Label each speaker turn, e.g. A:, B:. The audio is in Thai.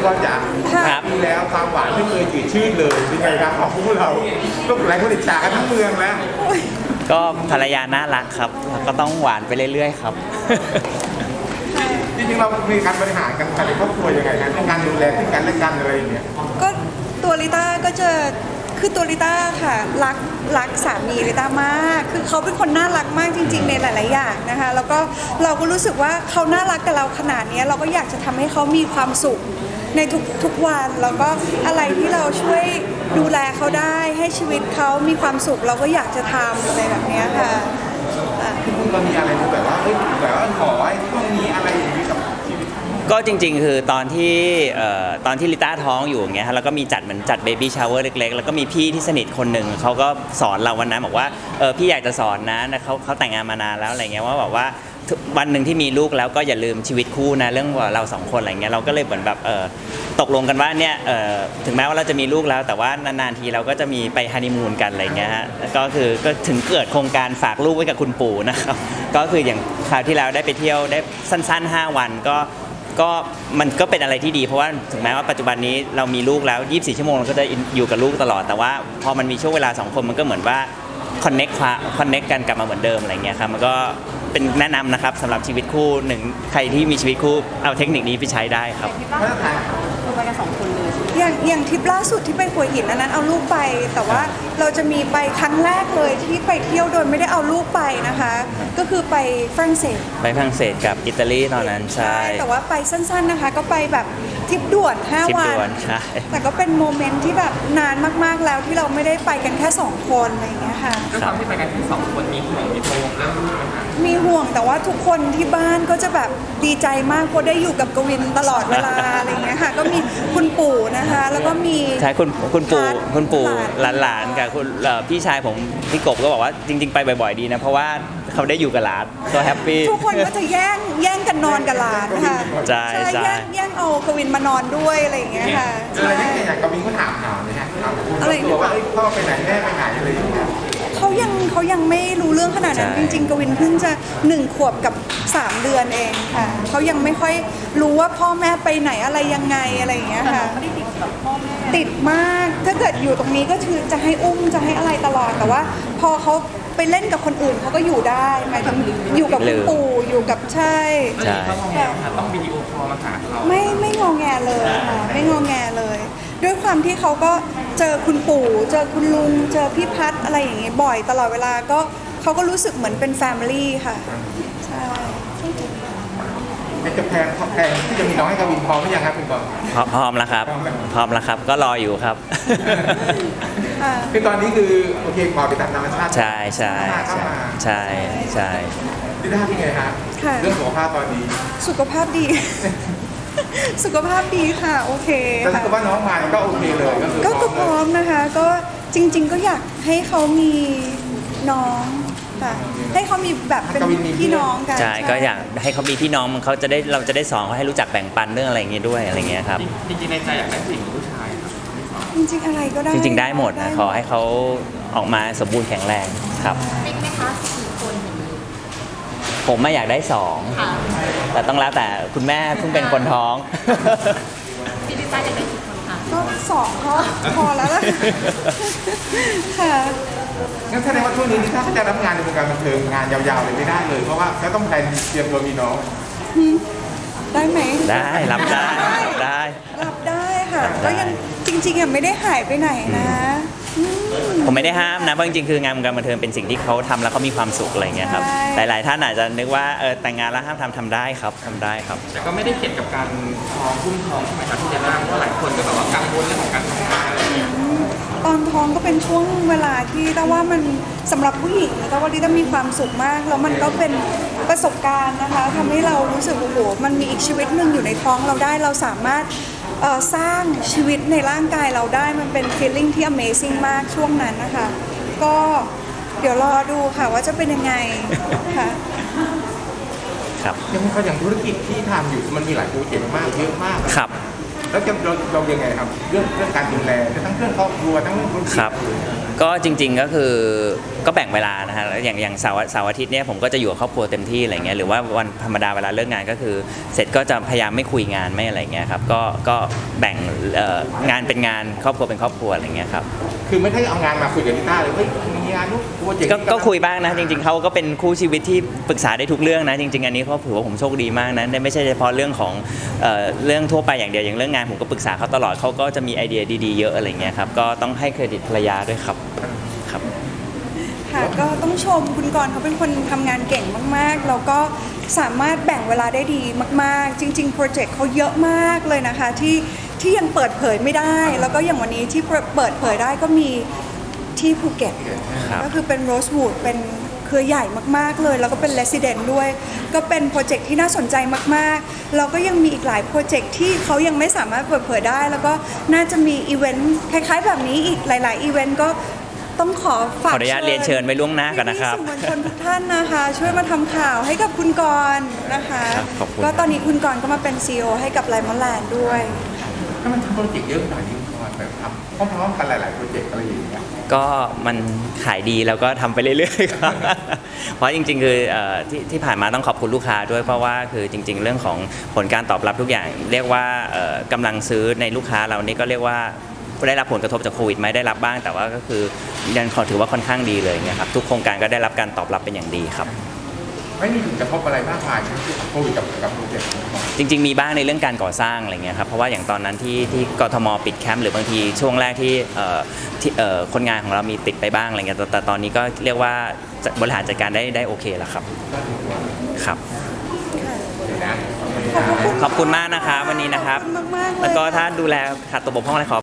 A: ก็จะมีแล้วความหวานไม่เคยจืดชืดเลยเป็นไงครับของพวกเราก็หลายคนอิจฉากันทั้งเมืองแล้ว
B: ก็ภรรยาน่ารักครับก็ต้องหวานไปเรื่อยๆครับ
A: จริงๆเรามีการบริหารกันภายในครอบครัวยังไงนะการดูแลที่กันและกันอะไรอย่างเงี้ย
C: ก็ตัวลิต้าก็จะคือตัวลิต้าค่ะรักสามีลิต้ามากคือเขาเป็นคนน่ารักมากจริงๆในหลายๆอย่างนะคะแล้วก็เราก็รู้สึกว่าเขาน่ารักกับเราขนาดนี้เราก็อยากจะทำให้เขามีความสุขในทุกวันแล้วก็อะไรที่เราช่วยดูแลเขาได้ให้ชีวิตเขามีความสุขเราก็อยากจะทำอะไรแบบนี้ค่ะ
A: คุณเรามีอะไรแบบว่าขอให้ต้องมีอะไรอย่างนี้กับชีวิต
B: ก็จริงๆคือตอนที่ลิต้าท้องอยู่อย่างเงี้ยแล้วก็มีเหมือนจัดเบบี้ชาวเวอร์เล็กๆแล้วก็มีพี่ที่สนิทคนหนึ่งเขาก็สอนเราวันนั้นบอกว่าพี่อยากจะสอนนะเขาแต่งงานมานานแล้วอะไรเงี้ยว่าแบบว่าวันหนึ่งที่มีลูกแล้วก็อย่าลืมชีวิตคู่นะเรื่องเราสองคนอะไรเงี้ยเราก็เลยเหมือนแบบตกลงกันว่าเนี่ยถึงแม้ว่าเราจะมีลูกแล้วแต่ว่านานๆทีเราก็จะมีไปฮันนีมูนกันอะไรเงี้ยฮะก็ถึงเกิดโครงการฝากลูกไว้กับคุณปู่นะครับก็คืออย่างคราวที่แล้วได้ไปเที่ยวได้สั้นๆ5 วันก็มันก็เป็นอะไรที่ดีเพราะว่าถึงแม้ว่าปัจจุบันนี้เรามีลูกแล้ว24 ชั่วโมงเราก็จะอยู่กับลูกตลอดแต่ว่าพอมันมีช่วงเวลา2 คนมันก็เหมือนว่าคอนเน็กกันกลับมาเหมือนเดิมอะไรเงี้ยครับมันก็เป็นแนะนำนะครับสำหรับชีวิตคู่หนึ่งใครที่มีชีวิตคู่เอาเทคนิคนี้ไปใช้ได้ครับ
D: ไปกัน2 คนเลย
C: อย่างทริปล่าสุดที่ไปหัวหินอันนั้นเอาลูกไปแต่ว่าเราจะมีไปครั้งแรกเลยที่ไปเที่ยวโดยไม่ได้เอาลูกไปนะคะก็คือไปฝรั่งเศส
B: กับอิตาลีตอนนั้นใช่
C: แต่ว่าไปสั้นๆนะคะก็ไปแบบทริปด่วน5 วันแต่ก็เป็นโมเมนต์ที่แบบนานมากๆแล้วที่เราไม่ได้ไปกันแค่2 คนอะไรอย่างเงี้ยค่ะ
D: ด้วยความที่ไปกันแค่2 คนมีห่วงมีโปงเรื่องลูกไหมคะ
C: มีห่วงแต่ว่าทุกคนที่บ้านก็จะแบบดีใจมากเพราะได้อยู่กับกวินตลอดเวลาอะไรอย่างเงี้ยค่ะก็มีคุณปู่นะคะแล้วก็มี
B: ใช่คุณปู่หลานกับคุณพี่ชายผมพี่กบก็บอกว่าจริงๆไปบ่อยๆดีนะเพราะว่าเขาได้อยู่กับหลานก็แฮปปี้
C: ทุกคนก็จะแย่งกันนอนกับหลานค่ะ
B: ใช่
C: แย่งเอากวินมานอนด้วยอะไรอย่างเงี้ยค่ะ
A: อะไรอย่างกวินก็ถามเลยฮะอะไรตัวว่าพ่อไปไหนแม่ไปไหนอะไรอย่างเงี้ย
C: เขายังไม่รู้เรื่องขนาดนั้นจริงๆกวินเพิ่งจะ1 ขวบกับ3 เดือนเองค่ะเขายังไม่ค่อยรู้ว่าพ่อแม่ไปไหนอะไรยังไงอะไรอย่างเงี้ยค่ะ
D: ไม่ได้ติดกับพ่อแม่
C: ติดมากถ้าเกิดอยู่ตรงนี้ก็คือจะให้อุ้มจะให้อะไรตลอดแต่ว่าพอเขาไปเล่นกับคนอื่นเขาก็อยู่ได้หมายถึงอยู่กับคุณปู่อยู่กับใช่
D: ต้องวิดีโอคอลมาหาเขา
C: ไม่งอแงเลยค่ะไม่งอแงเลยด้วยความที่เขาก็เจอคุณปู่เจอคุณลุงเจอพี่พัดอะไรอย่างเงี้ยบ่อยตลอดเวลาก็เขาก็รู้สึกเหมือนเป็นแฟมิลี่ค่ะใช่
A: ในกระแพงที่จะมีน้องให้กวินพร้อมหรือยังครับคุณกร
B: พร้อมแล้วครับก็รออยู่ครับ
A: คือตอนนี้คือโอเคปล่อยไปตามธรรมชาติ
B: ใช่
A: ที่ได้ที่ไงฮะเรื่องสุขภาพตอนนี้
C: สุขภาพดีค่ะโอเค
A: แต่ถ้าเกิดว่าน้องมาก็โอเคเลย
C: ก็พร้อมนะคะก็จริงๆก็อยากให้เขามีน้องค่ะให้เขามีแบบเป็นพี่น้องกัน
B: ใช่ก็อยากให้เขามีพี่น้องเราจะได้สอนเขาให้รู้จักแบ่งปันเรื่องอะไรอย่างเงี้ยด้วยอะไรเงี้ยครับ
D: จริงๆในใจอยากได้ผู้หญิงหรือผู้ชาย
C: จริงๆอะไรก็ได้
B: จริงๆได้หมดนะขอให้เขาออกมาสมบูรณ์แข็งแรงครับ
D: เป็นไหมคะ4 คน
B: ผมไม่อยากได้2แต่ต้องแล้วแต่คุณแม่เพิ่งเป็นคนท้อง
D: พี่ลิต้าอยากได้กี่คนคะ
C: ก็2ก็พอแล้วค่ะ
A: งั้นแสดงว่าช่วงนี้ถ้าเขาจะรับงานในวงการบันเทิงงานยาวๆเลยไม่ได้เลยเพราะว่าเขาต้องแพลนเตรียมตัวมีน้อง
C: ได้ไหม
B: ได้รับได้
C: ค่ะก็ยังจริงๆไม่ได้หายไปไหนนะ
B: ผมไม่ได้ห้ามนะเพราะจริงๆคืองานวงการบันเทิงเป็นสิ่งที่เขาทำแล้วเขามีความสุขอะไรเงี้ยครับหลายๆท่านอาจจะนึกว่าแต่งงานแล้วห้ามทำได้ครับ
D: แต่ก็ไม่ได้เกี่ยวกับการท้องคุ้มท้องใช่ไหมครับที่จะนั่งเพราะหลายคนก็แบบว่ากังวลเรื่องของการท้องอะไรอย่างเงี้ย
C: ตอนท้องก็เป็นช่วงเวลาที่แต่ว่ามันสำหรับผู้หญิงแต่ว่าที่ต้องมีความสุขมากแล้วมันก็เป็นประสบการณ์นะคะทำให้เรารู้สึกโอ้โหมันมีอีกชีวิตหนึ่งอยู่ในท้องเราได้เราสามารถสร้างชีวิตในร่างกายเราได้มันเป็น feeling ที่ amazing มากช่วงนั้นนะคะก็เดี๋ยวรอดูค่ะว่าจะเป็นยังไงค่ะ
B: ครับ
A: อย่างธุรกิจที่ทำอยู่มันมีหลายโปรเจกต์มากเยอะมาก
B: ครับ
A: แล้วจะเรายังไงครับเรื่องการดูแลทั้งเรื่องครอบครัวทั้งเรื่องธุรกิจ
B: ครับ ก็จริงๆก็คือก็แบ่งเวลานะฮะแล้วอย่างเสาร์อาทิตย์เนี่ยผมก็จะอยู่กับครอบครัวเต็มที่อะไรเงี้ยหรือว่าวันธรรมดาเวลาเลิกงานก็คือเสร็จก็จะพยายามไม่คุยงานไม่อะไรเงี้ยครับก็แบ่งงานเป็นงานครอบครัวเป็นครอบครัวอะไรเงี้ยครับ
A: คือไม่ได้เอางานมาคุยกับลิต้าเลยเฮ้ยมีงานนู้นโปรเจกต์นี้
B: ก็คุยบ้างนะจริงๆเขาก็เป็นคู่ชีวิตที่ปรึกษาได้ทุกเรื่องนะจริงๆอันนี้เขาถือว่าผมโชคดีมากนะไม่ใช่เฉพาะเรื่องของเรื่องทั่วไปอย่างเดียวอย่างเรื่องงานผมก็ปรึกษาเขาตลอดเขาก็จะมีไอเดียดีๆเยอะอะไรเงี้ยครับก็ต้องให้เครดิตภรรยาด้วยครับครับ
C: ค่ะก็ต้องชมคุณกรณ์เขาเป็นคนทำงานเก่งมากๆแล้วก็สามารถแบ่งเวลาได้ดีมากๆ จริงๆโปรเจกต์เขาเยอะมากเลยนะคะที่ยังเปิดเผยไม่ได้ แล้วก็อย่างวันนี้ที่เปิดเผยได้ก็มีที่ภูเก็ต
B: ครับ
C: ก็คือเป็นโรสวูดเป็นเครือใหญ่มากๆเลย แล้วก็เป็น Resident ด้วย ก็เป็นโปรเจกต์ที่น่าสนใจมากๆแล้วก็ยังมีอีกหลายโปรเจกต์ที่เขายังไม่สามารถเปิดเผยได้ แล้วก็น่าจะมีอีเวนต์คล้ายๆแบบนี้อีกหลายๆอีเวนต์ก็ต้องขอฝาก
B: ขออนุญาตเรียนเชิญไว้ล่วงหน้าก่อนนะครับ
C: พี่ๆสื่อมวลชนทุกท่านนะคะ ช่วยมาทำข่าวให้กับคุณกรณ์นะคะ
B: ครับขอบคุณ
C: ก็ตอนนี้คุณกรณ์ก็มาเป็น CEO ให้กับไลมอนแลนด์ด้วย
A: ถ้ามันทำโปรเจกต์เยอะขนาดนี้ก่อนแบบทำพร้อมๆกันหลายๆโปรเจกต์อะไรอย่างเงี้ย
B: ก็มันขายดีแล้วก็ทำไปเรื่อยๆครับ เพราะจริงๆคือที่ผ่านมาต้องขอบคุณลูกค้าด้วยเพราะว่าคือจริง ๆ เรื่องของผลการตอบรับทุกอย่าง เรียกว่ากำลังซื้อในลูกค้าเรานี่ก็เรียกว่าได้รับผลกระทบจากโควิดไหมได้รับบ้างแต่ว่าก็คือยังขอถือว่าค่อนข้างดีเลยนะครับทุกโครงการก็ได้รับการตอบรับเป็นอย่างดีครับ
A: ไม่มีผลกระทบอะไรมากมายที่โควิดกับโปรเจกต์นี้ก่อน
B: จริงๆมีบ้างในเรื่องการก่อสร้างอะไรเงี้ยครับเพราะว่าอย่างตอนนั้นที่กทมปิดแคมป์หรือบางทีช่วงแรกที่คนงานของเรามีติดไปบ้างอะไรเงี้ยแต่ตอนนี้ก็เรียกว่าบริหารจัดการได้โอเคแล้วครับครับ
C: ขอบคุณ
B: ขอบคุณมากนะครับวันนี้นะครับ
C: ขอบคุณมากๆเลย
B: แล้วก็ถ้าดูแลขาดตกบกพร่องอะไรขอ